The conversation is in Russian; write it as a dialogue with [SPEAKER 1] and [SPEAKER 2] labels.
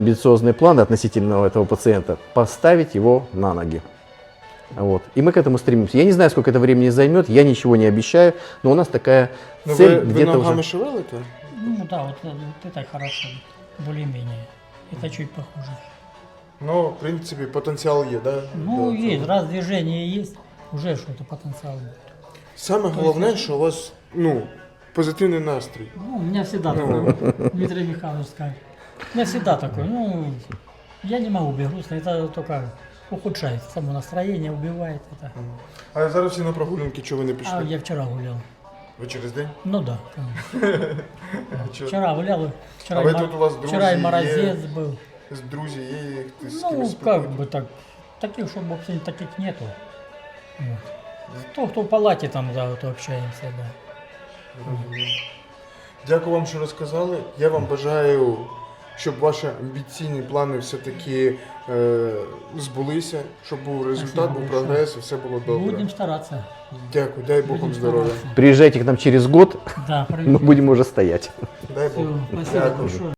[SPEAKER 1] амбициозные планы относительно этого пациента, поставить его на ноги. Вот. И мы к этому стремимся. Я не знаю, сколько это времени займет, я ничего не обещаю, но у нас такая
[SPEAKER 2] Ну,
[SPEAKER 1] цель
[SPEAKER 2] ви
[SPEAKER 1] где-то
[SPEAKER 2] ногами
[SPEAKER 1] уже.
[SPEAKER 2] шевелите?
[SPEAKER 3] Ну да, вот это хорошо, более-менее. Это чуть похуже.
[SPEAKER 2] Ну, в принципі, потенціал є, да?
[SPEAKER 3] Ну,
[SPEAKER 2] До
[SPEAKER 3] есть,
[SPEAKER 2] цього.
[SPEAKER 3] раз движение есть, уже что-то потенциал будет.
[SPEAKER 2] Саме головне, що у вас, ну, позитивний настрій.
[SPEAKER 3] Ну, у меня всегда такой, Дмитрий Михайлович скажет. У меня всегда такой, ну, я не могу быть грустно, это только ухудшает само настроение, убивает это.
[SPEAKER 2] А зараз всі на прогулянки, чого ви не
[SPEAKER 3] А
[SPEAKER 2] пішли?
[SPEAKER 3] я вчера гулял.
[SPEAKER 2] Ви через день?
[SPEAKER 3] Ну да, конечно. Вчера гулял, вчера,
[SPEAKER 2] А вы тут у вас
[SPEAKER 3] вчера и
[SPEAKER 2] друзья
[SPEAKER 3] морозец
[SPEAKER 2] есть?
[SPEAKER 3] был.
[SPEAKER 2] З друзів є, ти з
[SPEAKER 3] Ну,
[SPEAKER 2] кимось
[SPEAKER 3] как бы так, таких, чтобы вообще таких нету. Вот. Кто в палате там, да, вот общаемся, да.
[SPEAKER 2] Дякую вам, що розказали. Я вам бажаю, щоб ваші амбіційні плани все-таки збулися, щоб був результат,
[SPEAKER 3] Спасибо
[SPEAKER 2] був
[SPEAKER 3] большое.
[SPEAKER 2] прогрес і все було добре.
[SPEAKER 3] Будем стараться.
[SPEAKER 2] Дякую, дай Бог вам
[SPEAKER 3] Будем
[SPEAKER 2] здоров'я.
[SPEAKER 3] стараться.
[SPEAKER 1] Приезжайте к нам через год,
[SPEAKER 3] Да,
[SPEAKER 1] мы будем уже стоять.
[SPEAKER 2] Дай Бог.
[SPEAKER 3] Все, спасибо
[SPEAKER 2] Дякую.
[SPEAKER 3] большое.